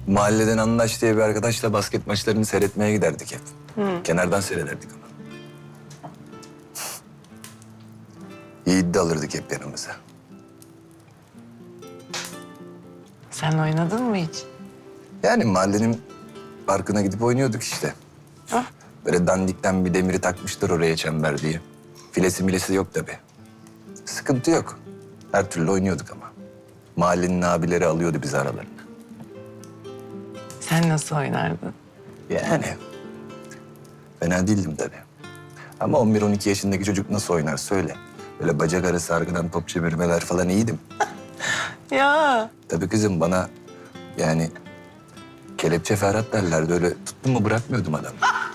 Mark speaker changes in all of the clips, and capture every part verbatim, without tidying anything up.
Speaker 1: Mahalleden Anlaş diye bir arkadaşla basket maçlarını seyretmeye giderdik hep.
Speaker 2: Hı.
Speaker 1: Kenardan seyrederdik ama. Yiğit de alırdık hep yanımıza.
Speaker 2: Sen oynadın mı hiç?
Speaker 1: Yani mahallenin parkına gidip oynuyorduk işte.
Speaker 2: Ah.
Speaker 1: Böyle dandikten bir demiri takmışlar oraya çember diye. Filesi milesi yok tabii. Sıkıntı yok. Her türlü oynuyorduk ama. Mahallenin abileri alıyordu bizi aralarına.
Speaker 2: Sen nasıl oynardın?
Speaker 1: Yani fena değildim tabii. Ama on bir on iki yaşındaki çocuk nasıl oynar söyle. Böyle bacak arası arkadan top çevirmeler falan iyiydim.
Speaker 2: Ya
Speaker 1: Tabii kızım bana yani kelepçe Ferhat derlerdi. Öyle tuttum mu bırakmıyordum adamı.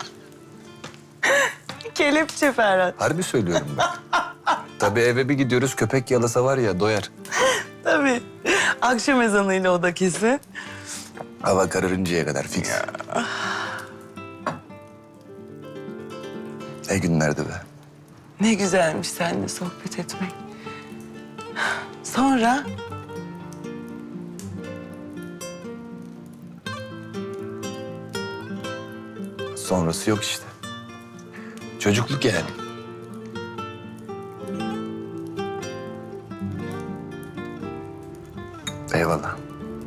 Speaker 2: kelepçe Ferhat.
Speaker 1: Harbi söylüyorum ben. Tabii eve bir gidiyoruz köpek yalasa var ya doyar.
Speaker 2: Tabii. Akşam ezanıyla o da kesin.
Speaker 1: Hava kararıncaya kadar fix. Ne günlerdi be.
Speaker 2: Ne güzelmiş seninle sohbet etmek. Sonra
Speaker 1: Sonrası yok işte. Çocukluk yani. Eyvallah.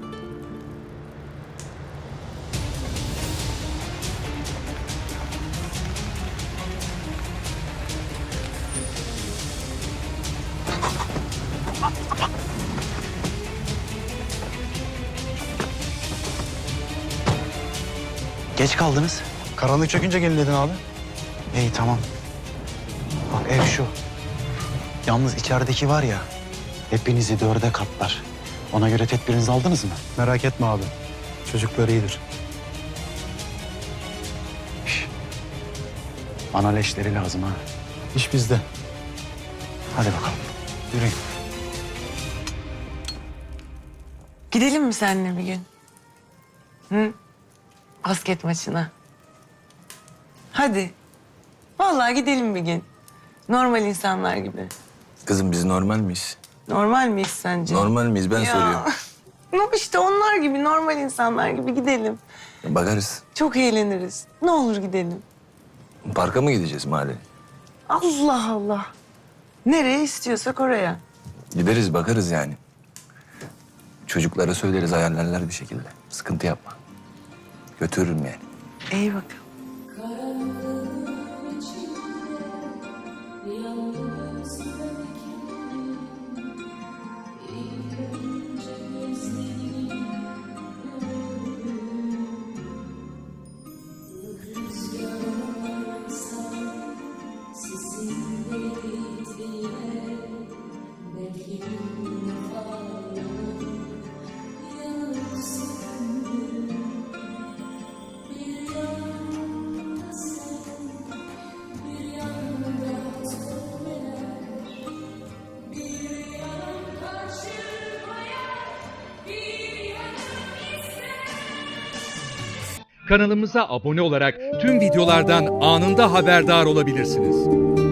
Speaker 3: Geç kaldınız.
Speaker 4: Karanlık çökünce gelin dedin abi.
Speaker 3: İyi tamam. Bak ev şu. Yalnız içerideki var ya, hepinizi dörde katlar. Ona göre tedbirinizi aldınız mı?
Speaker 4: Merak etme abi. Çocuklar iyidir.
Speaker 3: Şş. Bana leşleri lazım ha.
Speaker 4: İş bizde.
Speaker 3: Hadi bakalım. Yürüyün.
Speaker 2: gidelim mi seninle bir gün? Hı? Basket maçına. Hadi. Vallahi gidelim bir gün. Normal insanlar gibi.
Speaker 1: Kızım biz normal miyiz?
Speaker 2: Normal miyiz sence?
Speaker 1: Normal miyiz ben
Speaker 2: Ya.
Speaker 1: soruyorum.
Speaker 2: No, işte onlar gibi, normal insanlar gibi gidelim.
Speaker 1: Bakarız.
Speaker 2: Çok eğleniriz. Ne olur gidelim.
Speaker 1: Parka mı gideceğiz mahalle?
Speaker 2: Allah Allah. Nereye istiyorsak oraya.
Speaker 1: Gideriz bakarız yani. Çocuklara söyleriz ayarlarlar bir şekilde. Sıkıntı yapma. Götürürüm yani.
Speaker 2: İyi bakalım.
Speaker 5: Kanalımıza abone olarak tüm videolardan anında haberdar olabilirsiniz.